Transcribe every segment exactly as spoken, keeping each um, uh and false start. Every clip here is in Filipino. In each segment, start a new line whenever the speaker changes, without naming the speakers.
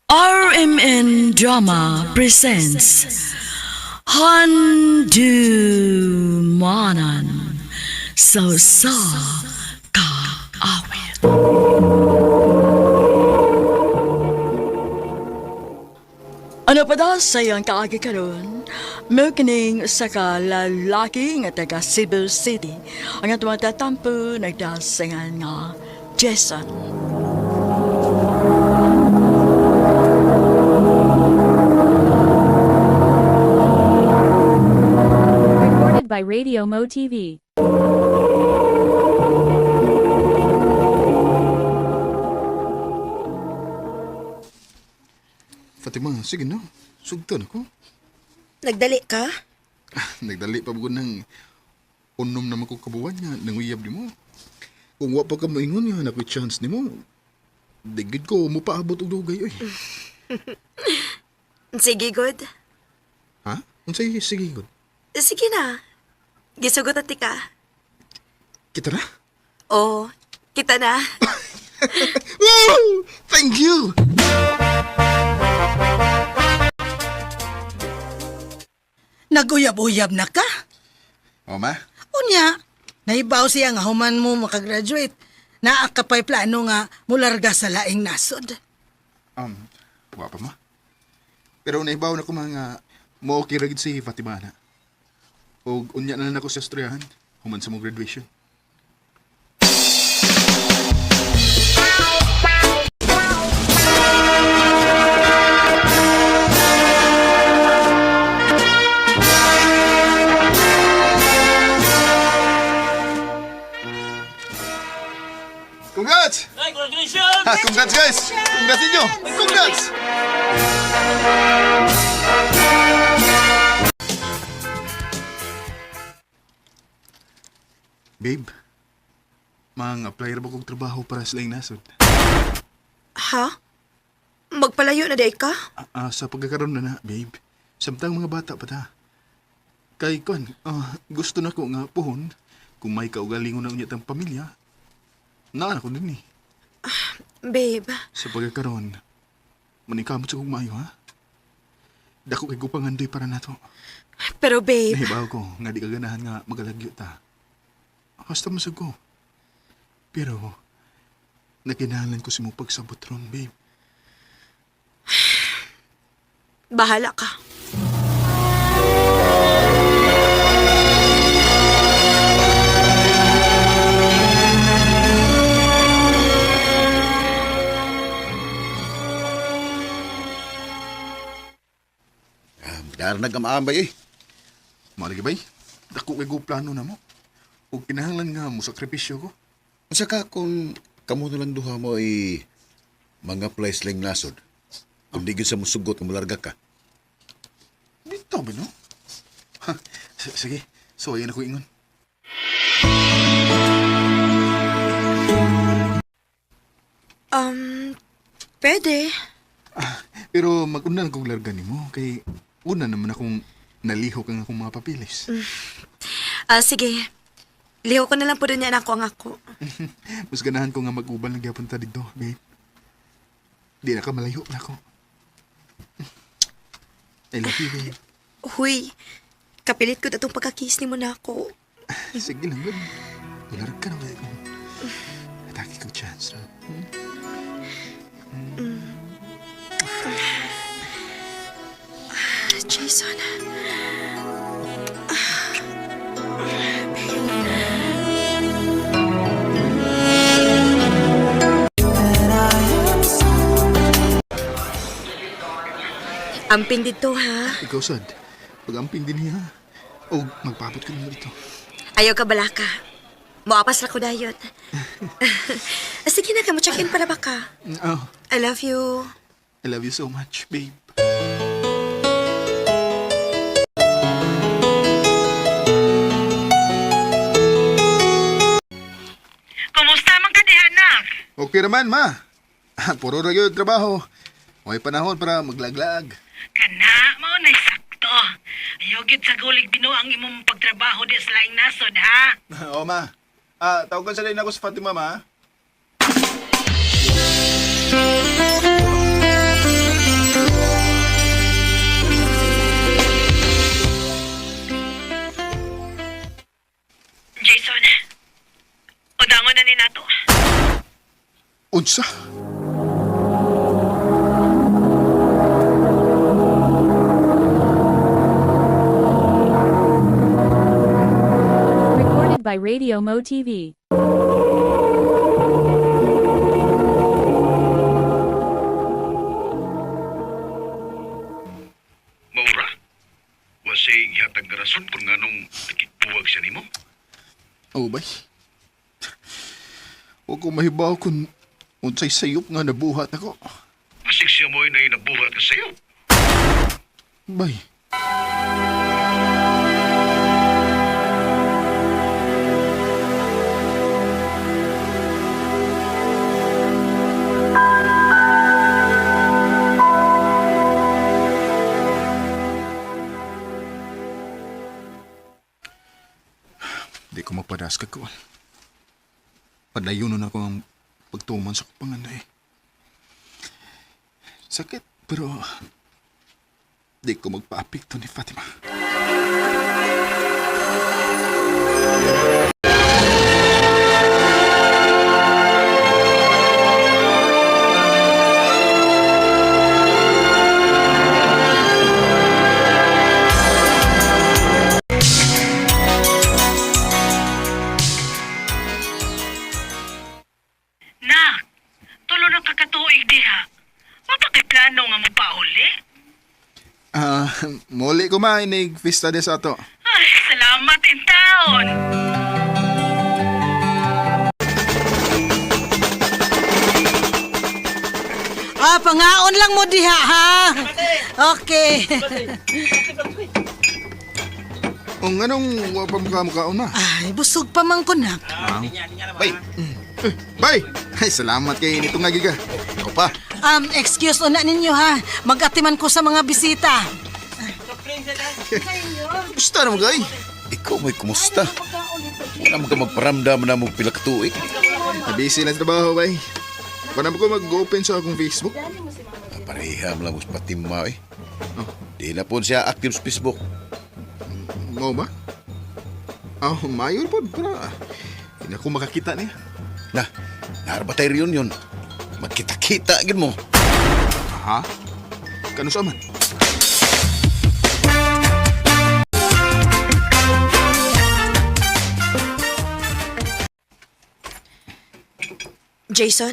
R M N Drama presents Handumanan So Sa Ka Awit. Ano pa daw sa iyong kaagi karon? Magkining sa kalalaki nga taga Cebu City. Ang atong tatampo nagdasingan nga Jason.
Recorded by Radio Mo T V.
Fatima, sige na. Sugtan ako.
Nagdali ka?
Nagdali pa ko ng unom naman ko kabuwan niya nang uyab ni mo. Kung wa pa ka maingon niya, nako'y chance ni mo. Digid ko, mo paabot og dugay, oy.
Sige, good.
Ha? Unsay sige gud.
Sige na. Gisugot at ka.
Kita na?
Oo, kita na.
Wow! Thank you!
Naguyab-uyab na ka?
O, ma?
Unya, naibaw siya nga human mo makagraduate. Naa ka pa'y plano nga mularga sa laing nasod.
Um, wa pa, ma. Pero naibaw na ko mga mo okay ragid si Fatima na. O unya na lang ako sa estudiyahan, human sa mo graduation. Congrats!
Ay, congratulations!
Ha, congrats guys! Congrats ninyo! Congrats! Babe, mang-apply ra ba kong trabaho para sa laing nasod?
Ha? Magpalayo na day ka?
Ah, ah, sa pagkakaroon na na, babe. Samtang mga bata pa ta. Kay kon, ah, gusto na ko nga puhon kung may kaugalingon na unyat ang pamilya. Naan ako din eh.
Babe,
Sa pagkakaroon, manikamot sa kong maayo, ha? Dako kay gupangandoy para nato.
pero babe,
Nahibaw ko nga di kaganahan nga magalagyo ta. Hasta masag ko. Pero, nakinahalan ko si mo pagsabot ron, babe.
bahala ka.
Darnag ang maambay eh.
Malagi bay, dako kay go plano na mo. O kinahanglan nga mo sakripisyo ko.
Masa ka kung kamo na lang duha mo ay mga place lang nasod. Kung di gyud sa musugot nga mularga ka.
Dito ba, no? Ha, s- sige, so ayan ako ingon.
Um, pwede.
Pero mag-unan kong larga ni mo, kay una naman akong nalihok ang akong mga papilis.
Ah, sige. Liho ko na lang po rin yan ako ang ako.
Mas ganahan ko nga mag-ubal ng gyapon ta dito, babe. Di na ka malayo na ako. I love you, babe.
Huy, kapilit ko na itong pagkakis ni mo na ako.
Sige lang, good. Ularag ka na ba kung atake ko chance, no?
Jason. Amping dito, ha?
Ikaw, sad. Pag-amping din niya. O, magpapot ka naman dito.
Ayaw ka balaka. Moapas ra ko dayon. Sige na, kamo check-in para ba ka?
Oh,
I love you.
I love you so much, babe.
Kumusta man ka di, anak?
Okay naman, ma. Puro na yun trabaho. May panahon para maglaglag.
Kana, mao na sakto. Ayaw gid sa gulig Ginoo ang imong pagtrabaho di sa laing nasod, ha?
Oo, ma. Ah, tawagan sa rin ako sa Fatima, ma. Unsa?
Recorded by Radio Mo T V.
Maura, wasay ihatag nga rason kung nganong nakikbuwag siya nimo.
Oh, bay. Huwag ko mahibaw kung unsay sayop nga nabuhat ako.
Asik siya mo'y na inabuhat ka sa'yo.
Bay. Di ko mapadas ka ko. Padayunon ako ang pagtuman sa panganday. Sakit, pero di ko magpa-apekto ni Fatima.
Nak, tulo na kakatuig diha. Mapakiplano nga mo pa uli?
Ah, muli ko ma, inig festa de sa ato.
Ay, salamat in taon.
Ah, pangaon lang mo diha, ha? Okay.
Ang anong wapam ka mukhaon na?
Ay, busog pa man ko na.
Bay! Eh, bay! Ay, salamat kay nito nga giga. Ikaw pa.
Um, excuse una ninyo, ha? Mag-atiman ko sa mga bisita.
Gusto na mo gay?
Ikaw mo'y kumusta? Wala mo ka magparamdam na mo pila ka tuig.
Busy lang sa trabaho, bay. Paano ko mag-open sa akong Facebook?
Pareham lang mo sa patima eh. Di na po siya active sa Facebook.
Mo ba? Ah, oh, mayor po. Para hindi ako makakita niya.
Na, naharbatay riyon yun. Magkita-kita agad mo.
Ha? Kano sa man?
Jason?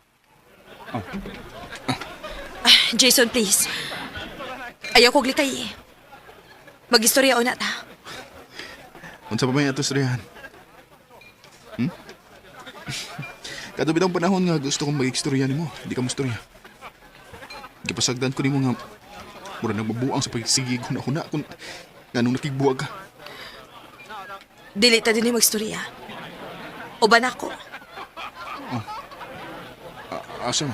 Ah, Jason, please. Ayaw kong litay eh. Mag-istorya o na ta.
Unsa pa may ato srihan? Hmm? Kato bitang panahon nga gusto kong mag-ekstorya nimo. Di ka mo istorya. Gipasagdan ko nimo nga mura nang mabuang sa pagsigig huna-huna kung nganong nakigbuwag ka.
Dili ta din mag-istorya. O ba na ako?
A- asa man?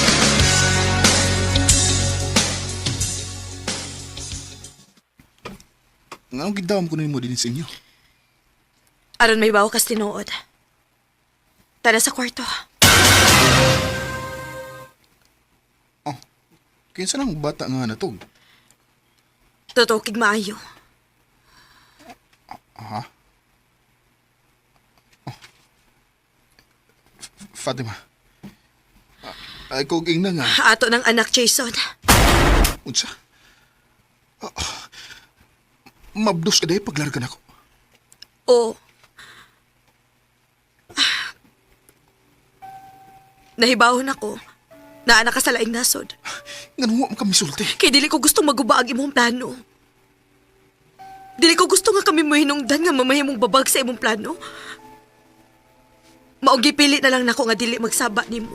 Nganong gidawam ko nimo din sa inyo?
Aron may bawa kas tinuod. Tara sa kwarto.
Oh, kinsa nang bata nga natog?
Totoo kig maayo.
Ha? Oh. F- Fatima. Ay, kog ing na nga.
Ato ng anak, Jason.
Unsa? Ah, mabdos ka dahi paglargan ako.
O. Nahibawon ako na anak ka sa laing nasod.
Nga nung kami sulti.
Kay dili ko gusto maguba ang imong plano. Dili ko gusto nga kami mahinungdan nga mamahimong babag sa imong plano. Maong gipili na lang nako nga dili magsaba nimo.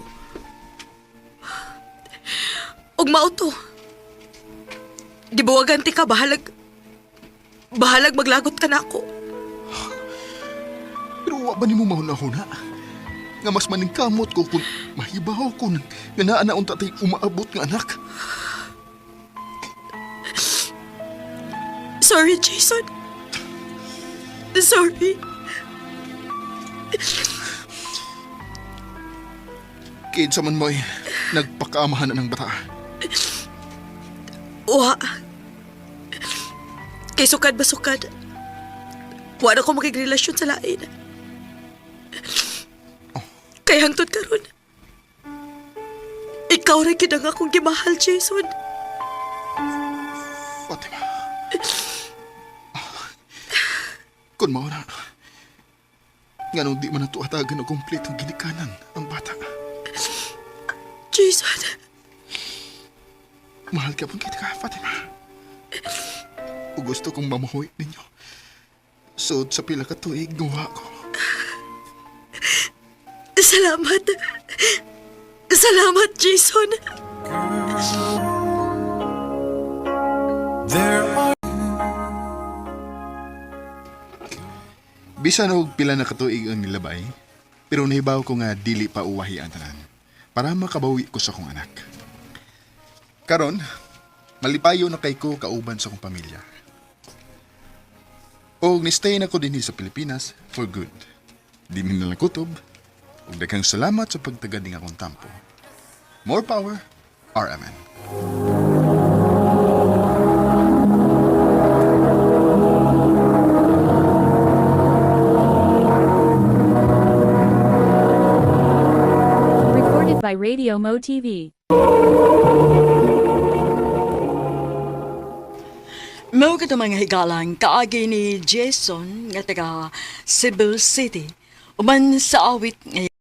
Og mao to. Gibuwagan ti ka bahalag bahalag maglagot ka nako.
Pero wa ba ni mo mahuna-huna? Nga mas maningkamot ko kung mahibaw ko ng nga naa na unta tay umaabot nga anak.
Sorry, Jason. Sorry.
Kinsa man mo'y nagpakaamahan na ng bata.
Wa. Kay sukad ba sukad? Wa na ko makigrelasyon sa lain. Kay hangtod karon. Ikaw rin kinang akong gimahal, Jason.
Fatima. Kung mao na, nga nung di man natuatagan o kumpletong ginikanan ang bata.
Jason,
Mahal ka pong kita ka, Fatima. O gusto kong mamahoy ninyo. Suot sa pila ka tuig, gawa ko.
salamat. Salamat, Jason.
Bisan og pila na katuig ang nilabay, pero nahibaw ko nga dili pa uwahi ang tanan para makabawi ko sa akong anak. Karon, malipayo na kay ko kauban sa akong pamilya. Og ni-stay na ko dinhi sa Pilipinas for good. Di min na lang kutob. Ug daghang salamat sa pagtagad ning akong tampo. More power, R M N.
Recorded by Radio Mo T V.
Mao ka mga higalang kaagi ni Jason nga taga Cebu City. Uman sa awit nga